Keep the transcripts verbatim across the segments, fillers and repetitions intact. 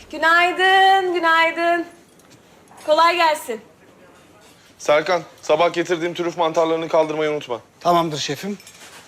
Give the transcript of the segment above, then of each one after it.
Günaydın, günaydın. Kolay gelsin. Serkan, sabah getirdiğim trüf mantarlarını kaldırmayı unutma. Tamamdır şefim.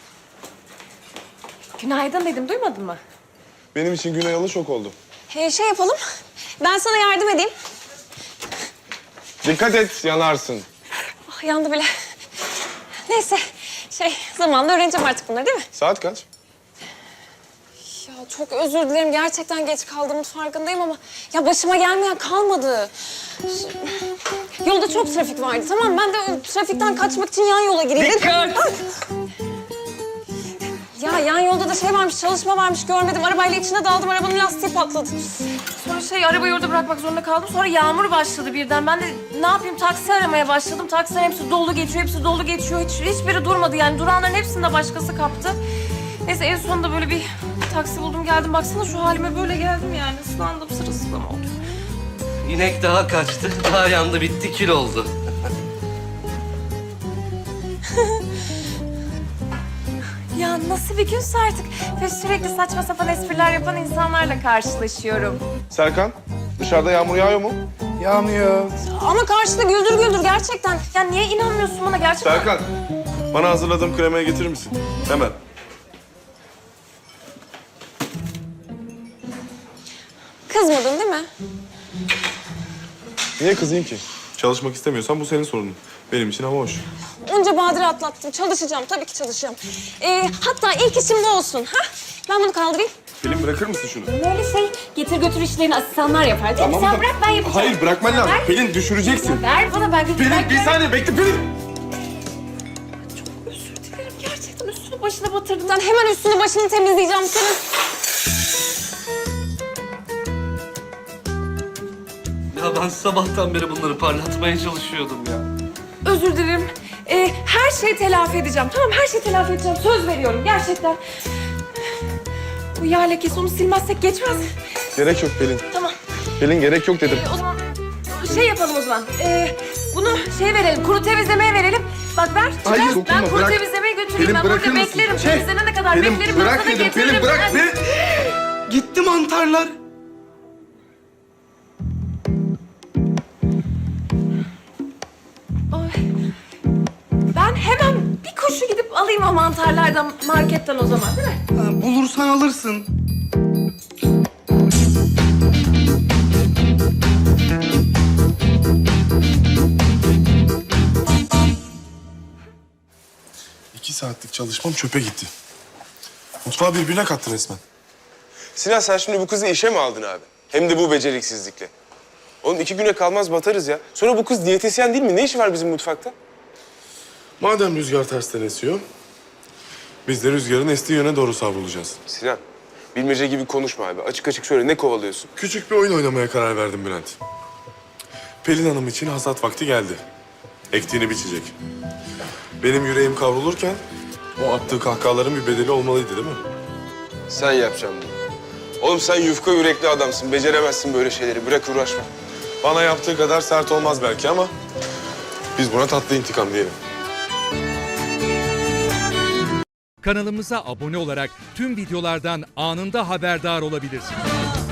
Günaydın dedim, duymadın mı? Benim için gün ayalı çok oldu. Ee, şey yapalım. Ben sana yardım edeyim. Dikkat et, yanarsın. Ah, yandı bile. Neyse. Şey, zamanla öğreneceğim artık bunları değil mi? Saat kaç? Ya çok özür dilerim. Gerçekten geç kaldığımın farkındayım ama... ya başıma gelmeyen kalmadı. Yolda çok trafik vardı, tamam mı? Ben de o trafikten kaçmak için yan yola gireyim. Dikkat! Ya yan yolda da şey varmış, çalışma varmış. Görmedim. Arabayla içine daldım. Arabanın lastiği patladı. Sonra şey, arabayı orada bırakmak zorunda kaldım. Sonra yağmur başladı birden. Ben de ne yapayım, taksi aramaya başladım. Taksilerin hepsi dolu geçiyor, hepsi dolu geçiyor. Hiç, hiçbiri durmadı yani. Duranların hepsini de başkası kaptı. Neyse en sonunda böyle bir taksi buldum, geldim. Baksana şu halime, böyle geldim yani. Islandım, sırılsıklam oldum. İnek daha kaçtı, daha yandı, bitti, kül oldu. Ya nasıl bir günse artık. Ve sürekli saçma sapan espriler yapan insanlarla karşılaşıyorum. Serkan, dışarıda yağmur yağıyor mu? Yağmıyor. Ama karşıda güldür güldür gerçekten. Ya niye inanmıyorsun bana gerçekten? Serkan, bana hazırladığım kremayı getirir misin? Hemen. Kızmadın değil mi? Niye kızayım ki? Çalışmak istemiyorsan bu senin sorunun. Benim için hava hoş. Onca badire atlattım. Çalışacağım. Tabii ki çalışacağım. Ee, hatta ilk işim bu olsun. Ha? Ben bunu kaldırayım. Pelin bırakır mısın şunu? Böyle şey, getir götür işlerini asistanlar yapar değil mi? Sen da- bırak, ben yapacağım. Hayır, bırakman lazım. Ver. Pelin düşüreceksin. Ver bana, ben götür. Pelin, bir saniye bekle Pelin. Özür dilerim, gerçekten üstünü başına batırdım. Ben hemen üstünü başını temizleyeceğim senin. Ya ben sabahtan beri bunları parlatmaya çalışıyordum ya. Özür dilerim. Ee, her şeyi telafi edeceğim. Tamam, her şeyi telafi edeceğim. Söz veriyorum gerçekten. Bu yağ lekesi, onu silmezsek geçmez. Gerek yok Pelin. Tamam. Pelin gerek yok dedim. Ee, o zaman şey yapalım o zaman. Ee, bunu şey verelim, kuru temizlemeye verelim. Bak ver, çıkar. Hayır, dokunma, Ben kuru bırak. temizlemeye götüreyim. Pelin, Ben bırakır burada mısın? beklerim. Şey, Temizlenene kadar Pelin, beklerim. bırak ben sana dedim, getiririm. Pelin, bırak. Ben- Pelin. Gitti mantarlar. Ay. Ben hemen bir koşu gidip alayım o mantarlardan marketten o zaman, değil mi? Ha, bulursan alırsın. İki saatlik çalışmam çöpe gitti. Mutfağı birbirine kattı resmen. Sinan sen şimdi bu kızı işe mi aldın abi? Hem de bu beceriksizlikle. Oğlum iki güne kalmaz batarız ya. Sonra bu kız diyetisyen değil mi? Ne işi var bizim mutfakta? Madem rüzgar tersten esiyor, biz de rüzgarın estiği yöne doğru savrulacağız. Sinan, bilmece gibi konuşma abi. Açık açık söyle, ne kovalıyorsun? Küçük bir oyun oynamaya karar verdim Bülent. Pelin Hanım için hasat vakti geldi. Ektiğini biçecek. Benim yüreğim kavrulurken o attığı kahkahaların bir bedeli olmalıydı değil mi? Sen yapacaksın bunu. Oğlum sen yufka yürekli adamsın. Beceremezsin böyle şeyleri. Bırak uğraşma. Bana yaptığı kadar sert olmaz belki ama biz buna tatlı intikam diyelim. Kanalımıza abone olarak tüm videolardan anında haberdar olabilirsiniz.